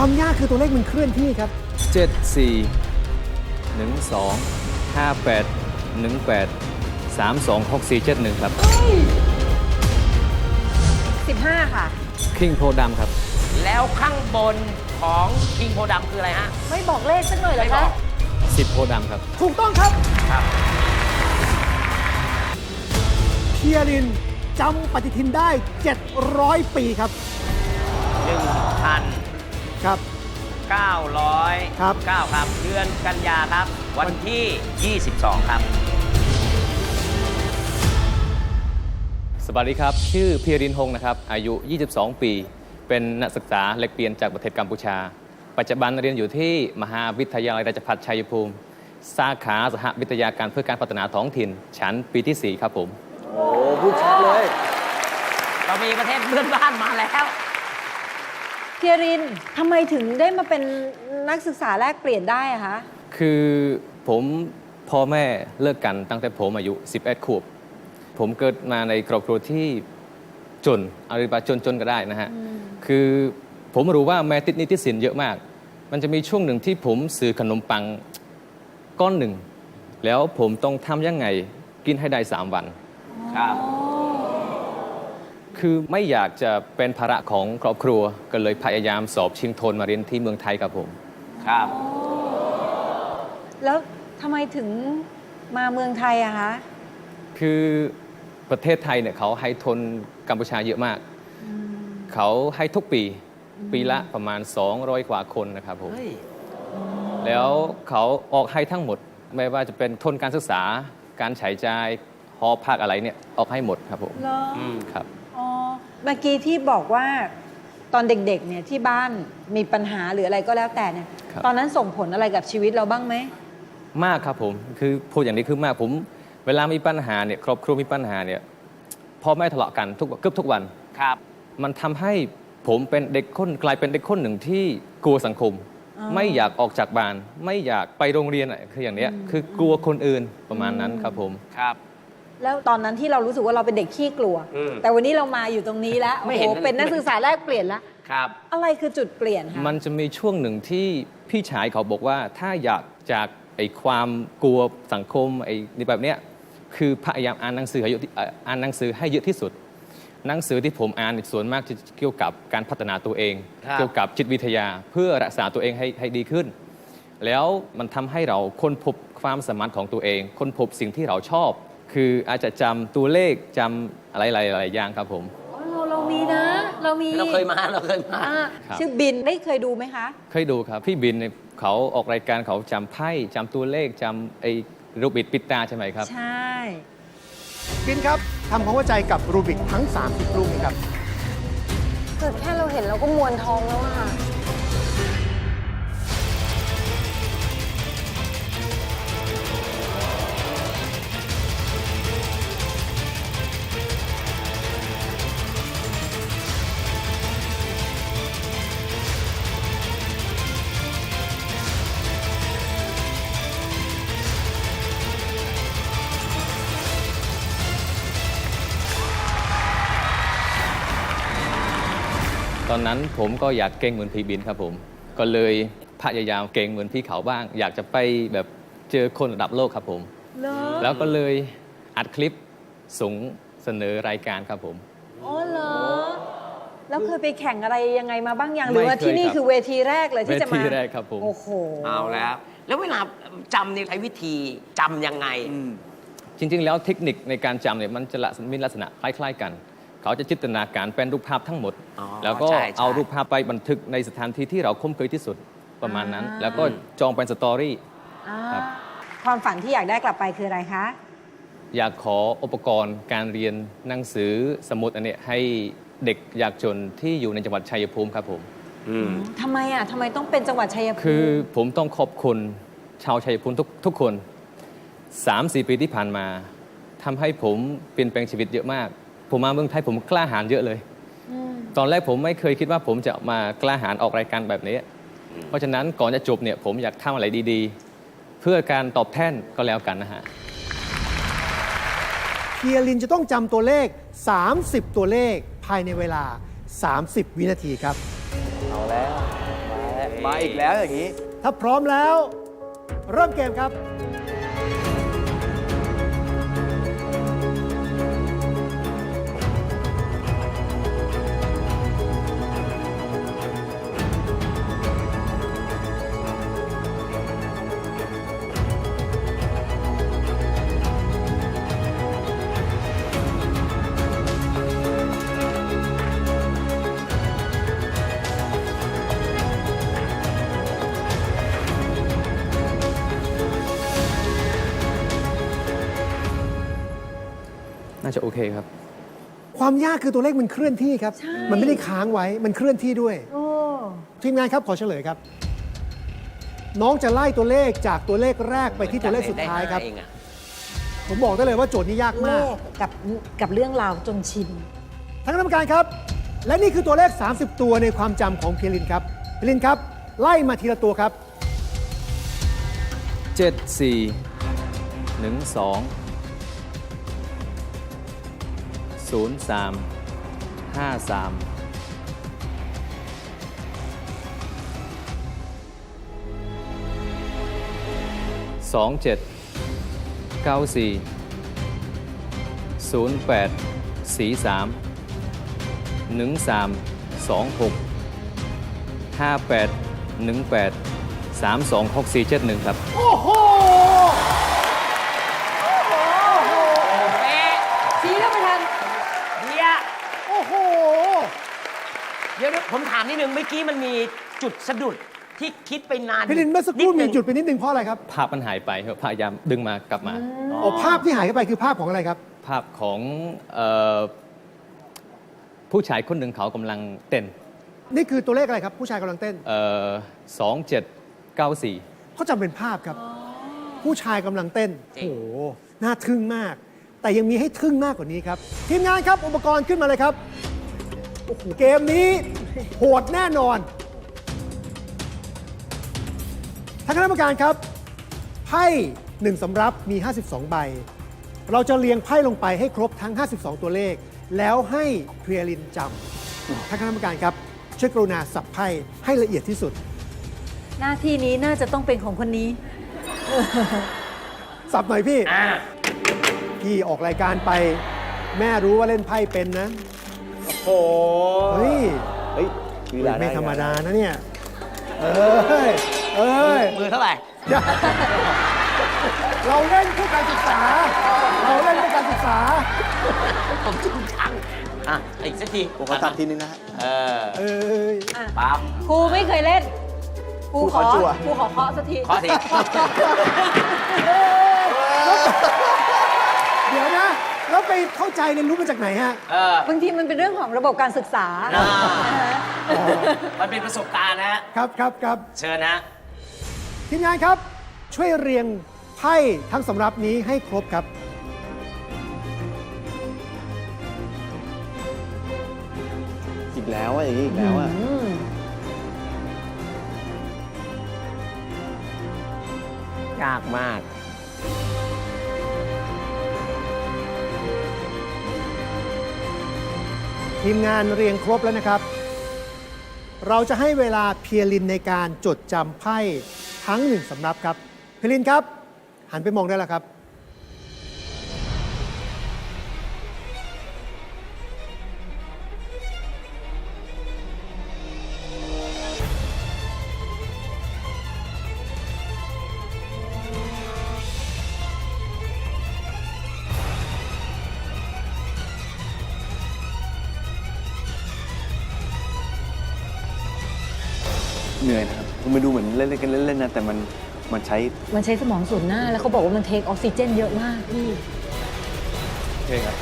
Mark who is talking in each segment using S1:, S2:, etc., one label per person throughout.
S1: ความยากคือตัวเลขมันเคลื่อนที่ครับ
S2: 74 12 58 18 32 64 71ครับ
S3: 15 ค่ะ
S2: คิงโพดำครับ
S4: แล้วข้างบนของคิงโพดำคืออะไรฮะ
S3: ไม่บอกเลขสักหน่อยเหรอ
S4: ไม่บ
S3: คะ
S4: อก
S2: 10 โพดำครับ
S1: ถูกต้องครับ
S4: ครับ
S1: เพียรินจำปฏิทินได้ 700 ปีครับ ครับ
S4: 1,900
S1: ครับ
S4: 9ครับ เดือนกันยาครับ วันที่ 22 ครับ
S2: สวัสดีครับ ชื่อเพียรินฮงนะครับ อายุ 22 ปี เป็นนักศึกษาแลกเปลี่ยนจากประเทศกัมพูชา ปัจจุบันเรียนอยู่ที่มหาวิทยาลัยราชภัฏชัยภูมิ สาขาสหวิทยาการเพื่อการพัฒนาท้องถิ่น ชั้นปีที่ 4 ครับผม
S5: โอ้พูดชัดเลย
S4: เรามีประเทศเพื่อนบ้านมาแล้ว
S3: เพียรินทำไมถึงได้มาเป็นนักศึกษาแลกเปลี่ยนได้อะคะ
S2: คือผมพ่อแม่เลิกกันตั้งแต่ผมอายุ 11 ขวบ ผมเกิดมาในครอบครัวที่จนเอาเรียกว่าจนก็ได้นะฮะ คือผมรู้ว่าแม่ติดหนี้ติดสินเยอะมาก มันจะมีช่วงหนึ่งที่ผมซื้อขนมปังก้อนหนึ่ง แล้วผมต้องทำยังไงกินให้ได้ 3 วัน
S4: ครับ
S2: คือไม่อยากจะเป็นภาระของครอบครัว ก็เลยพยายามสอบชิงทุนมาเรียนที่เมืองไทยครับผม
S4: ครับ
S3: แล้วทำไมถึงมาเมืองไทยอะคะ
S2: คือประเทศไทยเนี่ยเขาให้ทุนกัมพูชาเยอะมาก เขาให้ทุกปี ปีละประมาณ 200 กว่าคนนะครับผม
S4: เฮ้ย
S2: แล้วเขาออกให้ทั้งหมด ไม่ว่าจะเป็นทุนการศึกษา การใช้จ่ายหอพักอะไรเนี่ยออกให้หมดครับผม
S3: เหรอ
S2: ครับ
S3: อ๋อ เมื่อกี้ที่บอกว่าตอนเด็กๆ เนี่ยที่บ้านมีปัญหาหรืออะไรก็แล้วแต่เนี่ย
S2: ครับ
S3: ตอนนั้นส่งผลอะไรกับชีวิตเราบ้างไหม
S2: มากครับผม คือพูดอย่างนี้คือมากผม เวลามีปัญหาเนี่ยครอบครัวมีปัญหาเนี่ยพ่อแม่ทะเลาะกันเกือบทุกวัน
S4: ครับ
S2: มันทำให้ผมเป็นเด็กคนกลายเป็นเด็กคนหนึ่งที่กลัวสังคม
S3: อ๋อ
S2: ไม่อยากออกจากบ้าน ไม่อยากไปโรงเรียนอะคืออย่างเนี้ยคือกลัวคนอื่นประมาณนั้นครับผม
S4: ครับ
S3: แล้วตอนนั้นที่เรารู้สึกว่าเราเป็นเด็กขี้กลัว
S4: อืม
S3: แต่วันนี้เรามาอยู่ตรงนี้แล้ว
S4: ไม่
S3: โอ้
S4: เห็
S3: โห
S4: น
S3: เป็นนักศึกษาแลกเปลี่ยนแล้ว
S4: ครับ
S3: อะไรคือจุดเปลี่ยนคะ
S2: มันจะมีช่วงหนึ่งที่พี่ชายเขาบอกว่าถ้าอยากจากไอ้ความกลัวสังคมไอ้นี่แบบเนี้ยคือพยายามอ่านหนังสือให้เยอะอ่านหนังสือให้เยอะที่สุด หนังสือที่ผมอ่านส่วนมากจะเกี่ยวกับการพัฒนาตัวเอง
S4: ครับ
S2: เกี่ยวกับจิตวิทยาเพื่อรักษาตัวเองให้ดีขึ้น แล้วมันทำให้เราค้นพบความสามารถของตัวเอง ค้นพบสิ่งที่เราชอบ คืออาจจะจำตัวเลขจำอะไรหลายๆอย่างครับผม
S3: อ๋อเรามีนะ เรามี
S4: เราเคยมา
S3: อ่า
S2: ครับ
S3: ชื่อบินได้เคยดูไหมคะ
S2: เคยดูครับ พี่บินเนี่ยเขาออกรายการเขาจำไพ่จำตัวเลขจำไอ้รูปบิดปิดตาใช่ไหมครับ
S3: ใช่
S1: บินครับทำความเข้าใจกับรูบิกทั้ง 30 รูปนี้ครับ
S3: เกิดแค่เราเห็นเราก็มวนท้องแล้วอะค่ะ
S2: ตอนนั้นผมก็อยากเก่งเหมือนพี่บินครับผม ก็เลยพยายามเก่งเหมือนพี่เขาบ้าง อยากจะไปแบบเจอคนระดับโลกครับผม
S3: เหรอ
S2: แล้วก็เลยอัดคลิปส่งเสนอรายการครับผม
S3: อ๋อเหรอ แล้วเคยไปแข่งอะไรยังไงมาบ้างยัง
S2: ไม่
S3: หรือว่าที่นี่
S2: เคยครับ
S3: คือเวทีแรกเลยที่จะมา
S2: เวทีแรกครับผม
S3: โอ้โห
S4: เอาแล้ว แล้วเวลาจำนี่ใช้วิธีจำยังไง
S2: จริงๆ แล้วเทคนิคในการจำเนี่ยมันจะมีลักษณะคล้ายๆกัน เขาจะจินตนาการเป็นรูปภาพทั้งหมด
S4: อ๋อ
S2: แล้วก็
S4: ใช่
S2: เอารูปภาพไปบันทึกในสถานที่ที่เราคุ้นเคยที่สุดประมาณนั้น
S3: อ่า
S2: แล้วก็จองเป็นสตอรี่
S3: อ่า
S2: ครับ
S3: ความฝันที่อยากได้กลับไปคืออะไรคะ
S2: อยากขออุปกรณ์การเรียนหนังสือสมุดอันเนี้ยให้เด็กยากจนที่อยู่ในจังหวัดชัยภูมิครับผม
S3: ทำไมอ่ะทำไมต้องเป็นจังหวัดชัยภูมิ
S2: คือผมต้องขอบคุณชาวชัยภูมิทุกคน 3-4 ปีที่ผ่านมาทำให้ผมเปลี่ยนแปลงชีวิตเยอะมาก ผมมาเมืองไทยผมกล้าหาญเยอะเลย
S3: ม
S2: ตอนแรกผมไม่เคยคิดว่าผมจะมากล้าหาญออกรายการแบบนี้ เพราะฉะนั้นก่อนจะจบเนี่ยผมอยากทำอะไรดีๆ เพื่อการตอบแทนก็แล้วกันนะฮะ
S1: เพียรินจะต้องจำตัวเลข 30 ตัวเลขภายในเวลา 30 วินาทีครับ
S5: เอาแล้ว มาแล้มาอีกแล้วอย่างนี้
S1: ถ้าพร้อมแล้ว เริ่มเกมครับ
S2: น่าจะโอเคครับ
S1: ความยากคือตัวเลขมันเคลื่อนที่ครับ มันไม่ได้ค้างไว้ มันเคลื่อนที่ด้วย
S3: โอ้
S1: ทีมงานครับขอเฉลยครับ น้องจะไล่ตัวเลขจากตัวเลขแรกไปที่ตัวเลขสุดท้ายครับ
S4: เองอะ
S1: ผมบอกได้เลยว่าโจทย์นี้ยาก
S3: เล
S1: มาก
S3: ขกับเรื่องราวจนชิน
S1: ท่านคณะกรรมการครับ และนี่คือตัวเลข 30 ตัวในความจำของเพียรินครับเพียรินครับ ไล่มาทีละตัวครับ
S2: 7 4 1 2 0 3 5 3 2 7 9 4 0 8 4 3 1 3 2 6 5 8 1 8 3 2 6 4 7 1 ครับ
S1: โอ้โห
S4: เป๊ะ
S3: ชี้แล้วไม่ทัน
S4: เดีย
S1: โอ้โห
S4: เดี๋ยวผมถามนิดนึงเมื่อกี้มันมีจุดสะดุดที่คิดไปนาน
S1: เพียรินเมื่อสักครู่
S4: นิ
S1: มี
S4: นึง
S1: จุดไปนิดนึงเพราะอะไรครับ
S2: ภาพมันหายไปครับพยายามดึงมากลับมา
S1: โอ้ภาพที่หายเข้าไปคือภาพของอะไรครับ
S2: ภาพของผู้ชายคนหนึ่งเขากำลังเต้น
S1: นี่คือตัวเลขอะไรครับ ผู้ชายกำลังเต้น
S2: 2794
S1: เขาจำเป็นภาพครับ ผู้ชายกำลังเต้น โอ้โห น่าทึ่งมาก แต่ยังมีให้ทึ่งมากกว่านี้ครับ ทีมงานครับ อุปกรณ์ขึ้นมาเลยครับ โอ้โห เกมนี้โหดแน่นอนท่านคณะกรรมการครับ ไพ่1สำรับมี 52 ใบ เราจะเรียงไพ่ลงไปให้ครบทั้ง 52 ตัวเลข แล้วให้เพรียรินจำท่านคณะกรรมการครับ ช่วยกรุณาสับไพ่ให้ละเอียดที่สุด
S3: หน้าที่นี้น่าจะต้องเป็นของคนนี้
S1: สับหน่อยพี่
S4: อ่า
S1: พี่ออกรายการไป แม่รู้ว่าเล่นไพ่เป็นนะ
S4: โอ้โห
S1: เฮ้ย
S5: เฮ้ยลีลา
S1: ไม่ธรรมดา
S5: ไ
S1: นะเนี่ย เอ้ย เอ้ย
S4: มือเท่าไหร่
S1: เราเล่นเพื่อการศึกษา เราเล่นเพื่อการศึกษา
S4: ผมจริงจังอ่ะอีกสักที
S5: ผมขอตัดทีนึงนะฮะ
S4: เออ
S1: เอ้ย
S4: ปั๊บ
S3: ครูไม่เคยเล่น ครูขอ
S5: ครูขอจั่ว
S3: ครูขอเคาะสักที
S4: ข้อที
S1: เดี๋ยวนะ แล้วไปเข้าใจเรียนรู้มาจากไหนฮะ
S4: เออบ
S3: างทีมันเป็นเรื่องของระบบการศึกษา
S4: อ่า
S3: นะฮะ
S4: มันเป็นประสบการณ์นะฮะ
S1: ครับครับครับ
S4: เชิญนะ
S1: ทีมงานครับ ช่วยเรียงไพ่ทั้งสำรับนี้ให้ครบครับ
S5: อีกแล้วอ่ะอย่างนี้อีกแล้วอ่ะ
S3: อืม
S4: ยากมาก
S1: ทีมงานเรียงครบแล้วนะครับ เราจะให้เวลาเพียรินในการจดจำไพ่ทั้ง1สำรับครับ เพียรินครับ หันไปมองได้แล้วครับ
S5: เหนื่อยนะครับมันดูเหมือนเล่นๆกันเล่นๆนะ แต่มันใช้
S3: มันใช้สมองส่วนหน้า แล้วเขาบอกว่ามันเทคออกซิเจนเยอะมากพี่
S2: โอเคครับ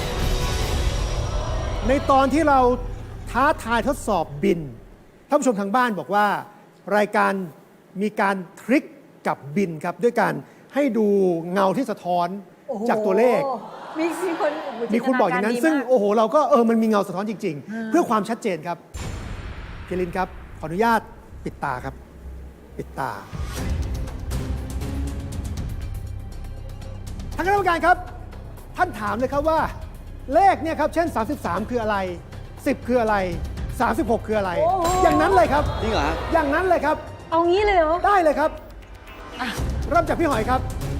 S1: ในตอนที่เราท้าทายทดสอบบิน ท่านผู้ชมทางบ้านบอกว่า รายการมีการทริคกับบินครับ ด้วยการให้ดูเงาที่สะท้อน
S3: โอ้โห
S1: จากตัวเลข
S3: มีคนโอ้โห
S1: มีคุณบอกอย่างนั้น
S3: จิต
S1: ซึ่ง
S3: กรดีมาก
S1: โอ้โห เราก็มันมีเงาสะท้อนจริง ๆ เพื่อความชัดเจนครับเพียรินครับ ขออนุญาตปิดตาครับ ปิดตาท่านคณะกรรมการครับ ท่านถามเลยครับว่า เลขเนี่ยครับ เช่น 33 คืออะไร 10 คืออะไร 36 คืออะไร อย่างนั้นเลยครับ
S5: จริงเหรอฮะ
S1: อย่างนั้นเลยครับ
S3: เอางี้เลยเหรอ
S1: ได้เลยครับเริ่มจากพี่หอยครับ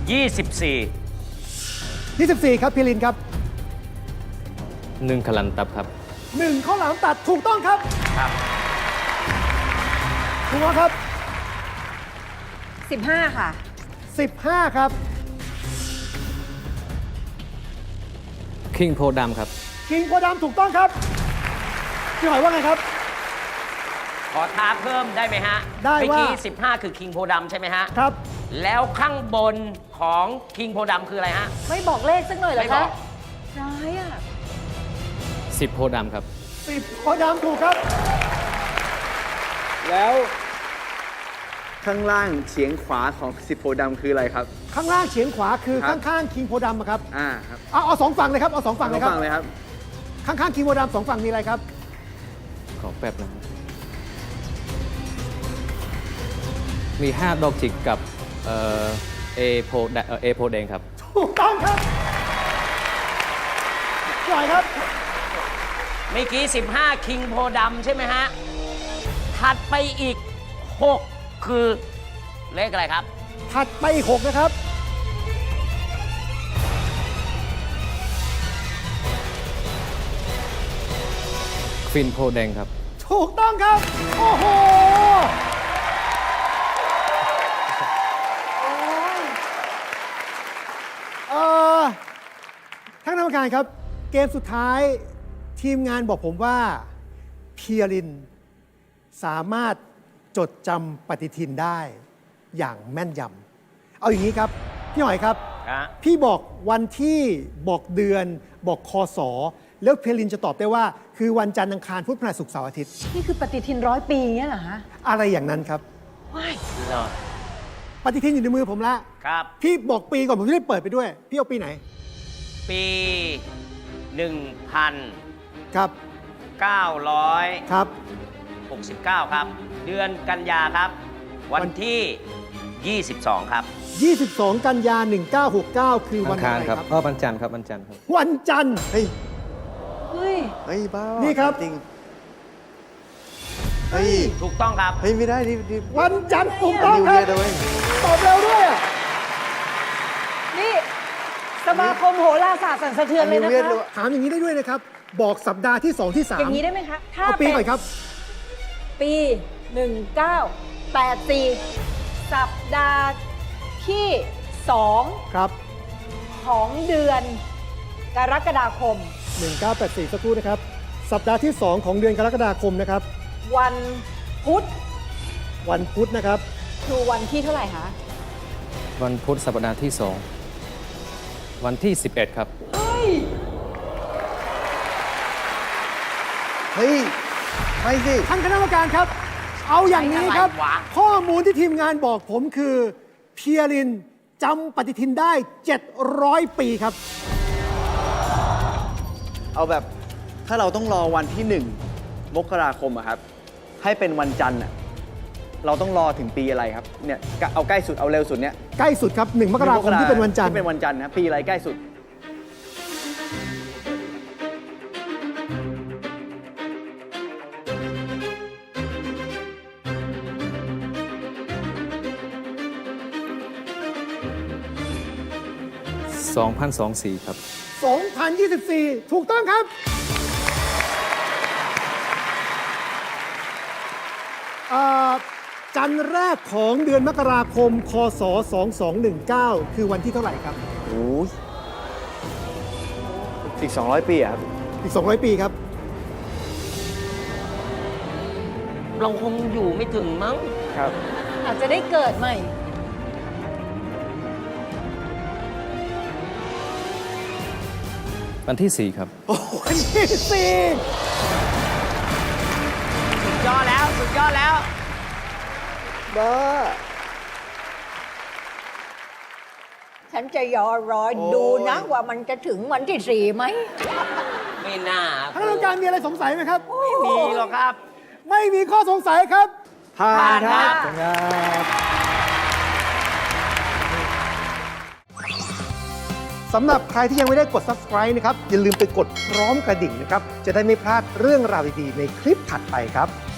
S4: 24
S1: 24 ครับพี่ลินครับ
S2: 1ขลันตับครับ
S1: 1ข้าวหลามตัดถูกต้องครับ
S4: ครับ
S1: ถูกครับ
S3: 15 ค่ะ
S1: 15 ครับ
S2: คิงโพดำครับ
S1: คิงโพธิ์ดำถูกต้องครับพี่หอยว่าไงครับ
S4: ขอท้าเพิ่มได้ไหมฮะ
S1: ได้ว่า
S4: เมื่อกี้ 15 คือคิงโพดำใช่ไหมฮะ
S1: ครับ
S4: แล้วข้างบนของคิงโพดำคืออะไรฮะ
S3: ไม่บอกเลขสักหน่อยเหรอ
S4: ไม่บ
S3: คะ
S4: อก
S3: ร้ายอ่ะ
S2: 10โพดำครับ
S1: 10โพธิ์ดำถูกครับ
S5: แล้วข้างล่างเฉียงขวาของสิบโพธิ์ดำคืออะไรครับ
S1: ข้างล่างเฉียงขวาคือ
S5: ครับ
S1: ข้างๆคิงโพธิ์ดำอะครับ
S5: ครับ
S1: เอาสองฝั่งเลยครับเอาสองฝั่งเลยครับ
S5: ฟังเลยครับ
S1: ข้างๆคิงโพธิ์ดำสองฝั่งมีอะไรครับ
S2: ขอแป๊บนะครับมี 5 ดอกจิกกับเอโพแดงครับ
S1: ถูกต้องครับพี่หอยครับ
S4: เมื่อกี้ 15 คิงโพดำใช่ไหมฮะ ถัดไปอีก 6 คือเลขอะไรครับ
S1: ถัดไปอีก6นะครับ
S2: ฟินโพแดงครับ
S1: ถูกต้องครับ โอ้โหท่านกรรมการครับ เกมสุดท้ายทีมงานบอกผมว่าเพียรินสามารถจดจำปฏิทินได้อย่างแม่นยำเอาอย่างนี้ครับ พี่หอยครับ
S4: ครับ
S1: พี่บอกวันที่บอกเดือนบอกคศแล้วเพียรินจะตอบได้ว่า คือวันจันทร์อังคารพุธพฤหัสศุกร์เสาร์อาทิตย์
S3: นี่คือปฏิทิน100 ปีเงี้ยเหรอฮะ
S1: อะไรอย่างนั้นครับ
S3: ว้าย
S4: เหรอ
S1: ปฏิทินอยู่ในมือผมละ
S4: ครับ
S1: พี่บอกปีก่อนผมจะได้เปิดไปด้วย พี่เอาปีไหน
S4: ปี
S1: ครับ
S4: 1969
S1: ครับ
S4: ครับ เดือนกันยาครับ วันที่ 22 ครับ
S1: 22 กันยา 1969 คือ
S2: อั
S1: วัน
S2: ง
S1: อะ
S2: คาร
S1: ไร
S2: ครับ
S1: ครับ
S2: วันจันทร์ครับวันจันทร์ครับ
S1: วันจันทร์
S5: เฮ้ย
S3: เฮ้ย
S5: เฮ้ย บ้า
S1: นี่
S5: นี่
S1: ครับ
S5: จริง เฮ้ย
S4: ถูกต้องครับ
S5: เฮ้ย ไม่ได้นี่
S1: วันจันทร์ถูกต้อง
S5: นิว
S1: ค
S5: เยี
S1: รั
S5: ยร์นะเว้ย
S1: ตอบเร็วด้วยอะ
S3: นี่สมาคมโหราศาสตร์สั่นสะเทือนเลยนะ
S5: นิวเยียร์
S3: คะ
S5: เลย
S1: ถามอย่างนี้ได้ด้วยนะครับ บอกสัปดาห์ที่ 2 ที่ 3
S3: อย่างนี้ได้ไหมคะ ถ้า
S1: เอาปี
S3: เป็น
S1: ก่อนครับ
S3: ปี 1984 สัปดาห์ที่
S1: ครับ
S3: 2 ของเดือนกรกฎาคม
S1: 1984 สักครู่นะครับ สัปดาห์ที่ 2 ของเดือนกรกฎาคมนะครับ
S3: วันพุธ
S1: วันพุธนะครับ
S3: คือวันที่เท่าไหร่คะ
S2: วันพุธสัปดาห์ที่ 2 วันที่ 11 ครับ
S3: เฮ้ย
S5: เฮ้ย ไม่สิ
S1: ท่านคณะกรรมการครับ เอาอย่างนี้ครับ
S4: อะไรวะ
S1: ข้อมูลที่ทีมงานบอกผมคือเพียรินจำปฏิทินได้ 700 ปีครับ
S5: เอาแบบ ถ้าเราต้องรอวันที่ 1 มกราคมอะครับ ให้เป็นวันจันทร์อะเราต้องรอถึงปีอะไรครับ เนี่ย เอาใกล้สุด เอาเร็วสุดเนี่ย
S1: ใกล้สุดครับ 1 มกราคมที่เป็นวันจันทร์
S5: ที่เป็นวันจันทร์นะ ปีอะไรใกล้สุด
S2: 2024 ครับ
S1: 2024 ถูกต้องครับจันทร์แรกของเดือนมกราคม คศ 2219 คือวันที่เท่าไหร่ครับ
S5: โอ้ยอีก 200 ปีอะครับ
S1: อีก 200 ปีครับ
S4: เราคงอยู่ไม่ถึงมั้ง
S5: ครับ
S3: อาจจะได้เกิดใหม่
S2: วันที่ 4 ครับ
S1: วันที่
S4: สุดยอดแล้ว สุดยอดแล้ว
S5: บ้า
S3: ฉันจะรอดูนะว่ามันจะถึงวันที่ 4ไหม
S4: ไม่น่า
S1: 4ท่านกรรมการมีอะไรสงสัยไหมครับ
S4: ไม่มีหรอกครับ
S1: ไม่มีข้อสงสัยครับ
S5: ผ่า
S4: ผ่าน
S5: นค
S4: ครั
S5: รับ
S4: บ
S1: สำหรับใครที่ยังไม่ได้กด subscribe นะครับ อย่าลืมไปกดพร้อมกระดิ่งนะครับ จะได้ไม่พลาดเรื่องราวดีๆในคลิปถัดไปครับ